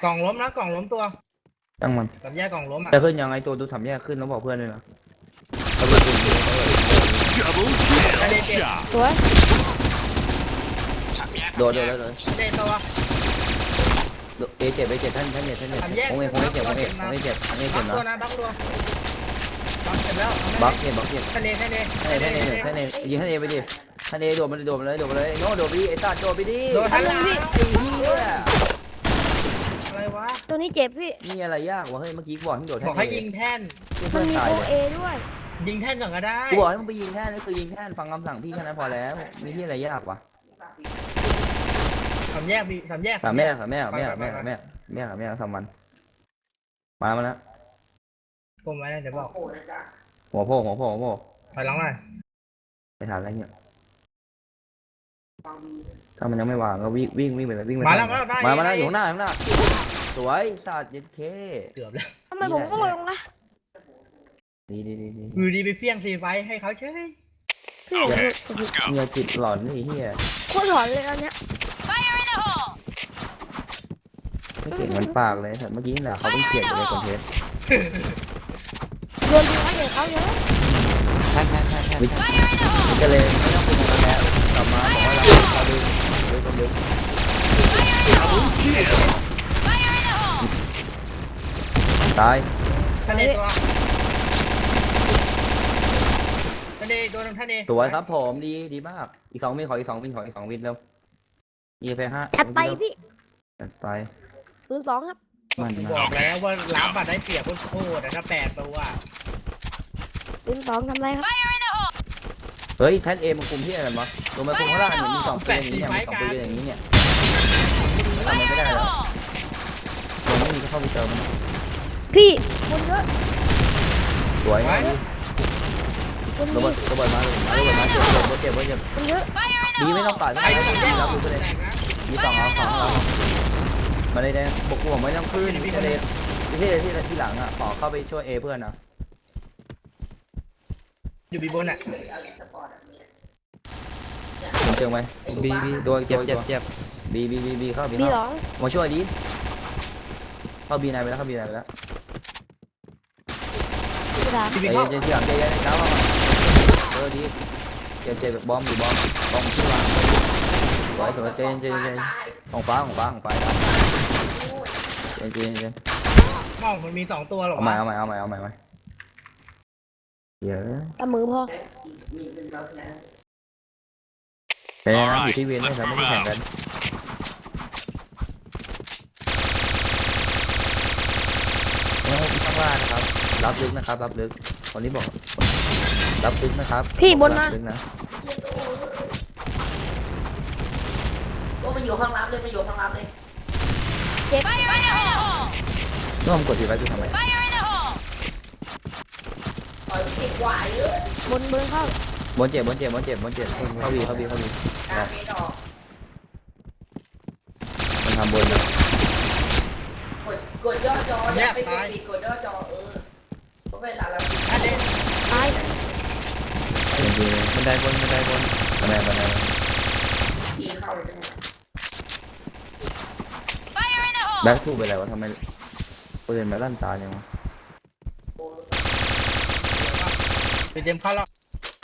กล่องล้มนะกล่องล้มตัวตั้งมันสามแยกกล่องล้มอ่ะจะขึ้นยังไงตัวดูทำแยกขึ้นแล้วบอกเพื่อนเลยนะสวยโดดเลยเจตัวเอเจ็บท่านเนี่ยผมเจ็บนะตัวนะบักตัวบักเสร็จแล้วบักเนี่ยท่านเอยิงท่านเอไปดิท่านเอโดดมาเลยโน้โดดไปดิไอ้ตาโดดไปดิโดนท่านพี่ไอ้เหี้ยอะไรวะตัวนี้เจ็บพี่นี่อะไรยากวะเฮ้ยเมื่อกี้บอกให้โดดบอกให้ยิงแท่นมันมีโอเอด้วยยิงแท่นก่อนก็ได้กูบอกให้มึงไปยิงแท่นนี่คือยิงแท่นฟังคำสั่งพี่แค่นั้นพอแล้วมีที่อะไรยากวะสามแยกพี่สามแยกสามแม่สามวันมาแล้วผมไว้เดี๋ยวบอกหัวโผล่ถอยหลังหน่อยไปทานอะไรเนี่ยถ้ามันยังไม่วางก็วิ่งไปเลยวิ่งไปมาแล้วอยู่ข้างหน้าสวยสัตว์เย็ดเคเกือบแล้วทำไมผมต้องลงนะดีอยู่ดีไปเฟี้ยงซีไฟให้เขาเฉยพี่อย่าจิตหลอนนี่เฮียโคตรหลอนเลยอันเนี้ยไม่เก่งมันปากเลยเมื่อกี้แหละเขาเพิ่งเขียนไปในคอนเทนต์โดนดีเขาเยอะเขาเยอะก็เลยไม่ต้องคุยกันแล้วกลับมาบอกว่าเราดึงตายท่านเอตัวท่านเอโดนท่านเอสวยครับผมดีมากอีก2 วินขออีก2 วินแล้ว25 จัดไปพี่จัดไป 02ครับบอกแล้วว่าล้ำบัตรได้เปรียบโคตรถ้า8ตัว 02ทำไรครับเฮ้ยแพทเอมันคุมที่อะไรวะตัวมันคุมข้างล่างมี2 ปืนอย่างนี้เนี่ย2 ปืนอย่างนี้เนี่ยทำมันไม่ได้แล้วตัวไม่มีก็เข้าไปเจอมันพี่คนเยอะสวยนะคนระเบิดมาเจ็บคนเยอะดีไม่ต้องปาดใครจะยิงได้หรอดี2 เอามาเลยแดงบกหัวไม่ต้องขึ้นที่ที่หลังอ่ะขอเข้าไปช่วยเอเพื่อนนะอยู่บีบนอ่ะเจอไหมบีโดนเจ็บบีเข้าบีมาช่วยดีเข้าบีนายไปแล้วพี่เจที่หลังเจแล้วดีเจ็บบอมที่วางสวยเจของฟ้าเจมองมันมี2 ตัวหรอเอาใหม่เยอะตะมือพอเป็นอยู่ที่เวียนนะครับไม่ได้แข่งกันข้างล่างนะครับรับลึกคนนี้บอกรับลึกนะครับพี่บนมาก็มาอยู่ข้างรับเลยเจ็บน้องกดทีไว้คือทำไมบนเข้าบนเจ็บเข้าวีมันทำบนนะกดย่อจออย่าไปกดปิดกดย่อจอเพราะเวลาเราท่านเอตายมันได้บนบันไดทีเข้าเลยแบ็คทูไปแล้ววะทำไมปืนมาลั่นตาอย่างวะไปเตรียมเข้าแล้ว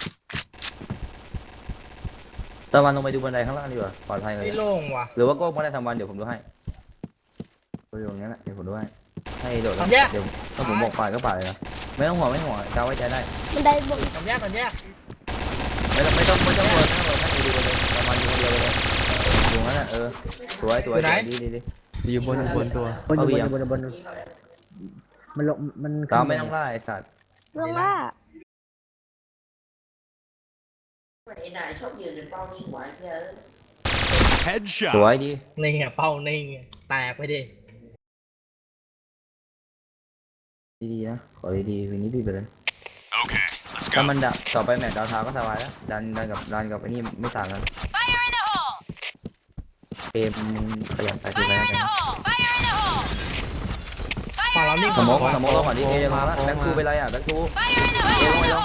ตะวันลงไปดูบันไดข้างล่างดีกว่าปลอดภัยเลยไม่โล่งว่ะหรือว่าโก้ไม่ได้ทำวันเดี๋ยวผมดูให้ไปอยู่อย่างนั้นแหละเดี๋ยวผมดูให้โดดแล้วเดี๋ยวถ้าผมบอกป่าก็ป่าเลยนะไม่ต้องห่วงกาไว้ใจได้มันได้บนสามแยกไม่ต้องห่วงให้ดูเลยประมาณอยู่คนเดียวเลยอยู่งั้นสวยดีอยู่บนตัวบนมันลงมันตามไม่ต้องล่าไอ้สัตว์ลงล่าไอ้นายชอบยืนเป็นเป้านิ่งไว้เพื่อสวยดีนี่ไงเป้านี่แตกไปดิดีนะขอดีวันนี้ดีไปเลยถ้ามันดับต่อไปแมตช์ดาวเท้าก็สบายแล้วดันกับไอ้นี่ไม่ต่างกันเกมขยันไปทีไรกันฝั่งเรานี่สมองเราก่อนดิเอมาแล้วแบ็คทูไปไรแบ็คทูเอลงไปลง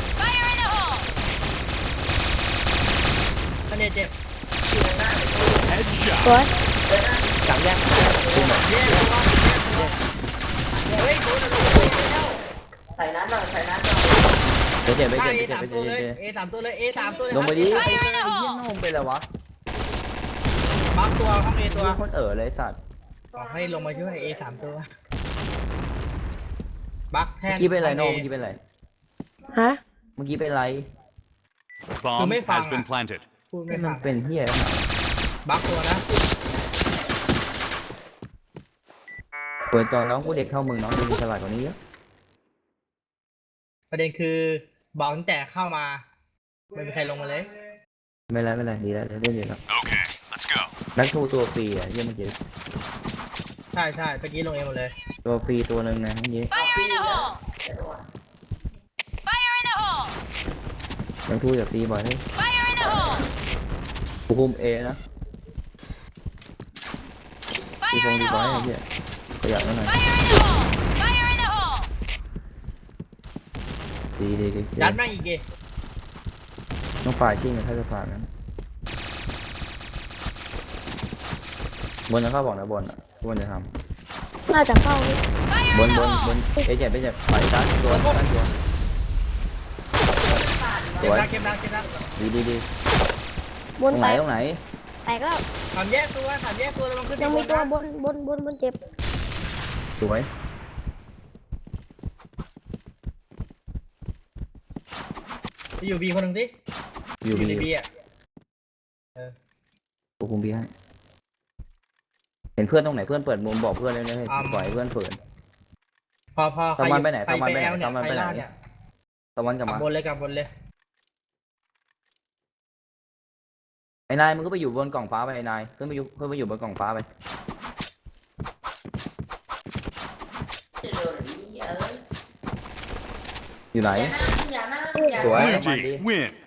ท่านเอเจ็บแ Headshot. สวยสามแยกเฮ้ยโดนใส่น้ำหน่อยใส่น้ำหน่อยเดี๋ยวเจ็บไปใช่เจ็บเอไปสามเจ็บตัวไปเลยเจ็บเอสามตัวเลยเอสามตัวเลยลงไปดิไอ้เหี้ยน้องไปแล้ววะบักตัวห้องเอตัวคนเลยสัตว์บอกให้ลงมาช่วยเอสามตัวบักแทเมื่อน กี้เป็นไรน้องเมื่อกี้เป็นไรฮะเมื่อกี้เป็นไร Bomb has been planted. พูดไม่มัฟันงเป็นเหี้ยบักตัวนะเปิดตอนน้องกูเด็กเท่ามึงน้องดูฉลาดกว่านี้เยอะประเด็นคือบอกตั้งแต่เข้ามาไม่มีใครลงมาเลยไม่เป็นไรดีแล้วเล่นดีแล้ว Okay, let's go. นักทูตัวฟรีอ่ะเยี่ยมเมื่อกี้ใช่เมื่อกี้ลงเองหมดเลยตัวฟรีตัวหนึ่งนะเมื่อกี้ Fire in the hole! Fire in the hole! นักทูอย่าฟรีบ่อยเฮ้ย Fire in the hole! กูคุมเอนะตี Fire ฟง in ตี the บอย hole! ไอ้เหี้ยประหยัดแล้วหน่อย Fire in the hole! Fire in the hole! ดียัดแม่งอีกดิต้องฝ่ายชิงกันถ้าจะฝ่ายนั้นบนจะเข้าบอกนะบนอ่ะบนจะทน่าจะเข้านี่ำบนเอเจ็บฝ่ายซ้ายตัวซ้ายตัวสเก็บวยนะเก็บนะเก็บนะดีบตรนงแตไหนกตรงไหนแตกแล้วสามแยกตัวแล้วมันขึ้นยังมีตัวบนเจ็บสวยอยู่บีคนหนึ่งดิอยู่ในบีบีอ่ะกูคุมบีให้เห็นเพื่อนตรงไหนเพื่อนเปิดมุมบอกเพื่อนเลยนะให้ปล่อยให้เพื่อนเปิดพอสมันไปไหนใครสมันไปไหนแอลเนี่ยสมันใคไปรไหนล่าเนี่ยตะวันกลับกลัมาบบนเลยไอ้นายมึงก็ไปอยู่บนกล่องฟ้าไปไอ้นายเพื่อนไปอยู่บนกล่องฟ้าไปเร็วๆนี้อยู่ไหนอย่านั่งสวย Blue มันดี team win.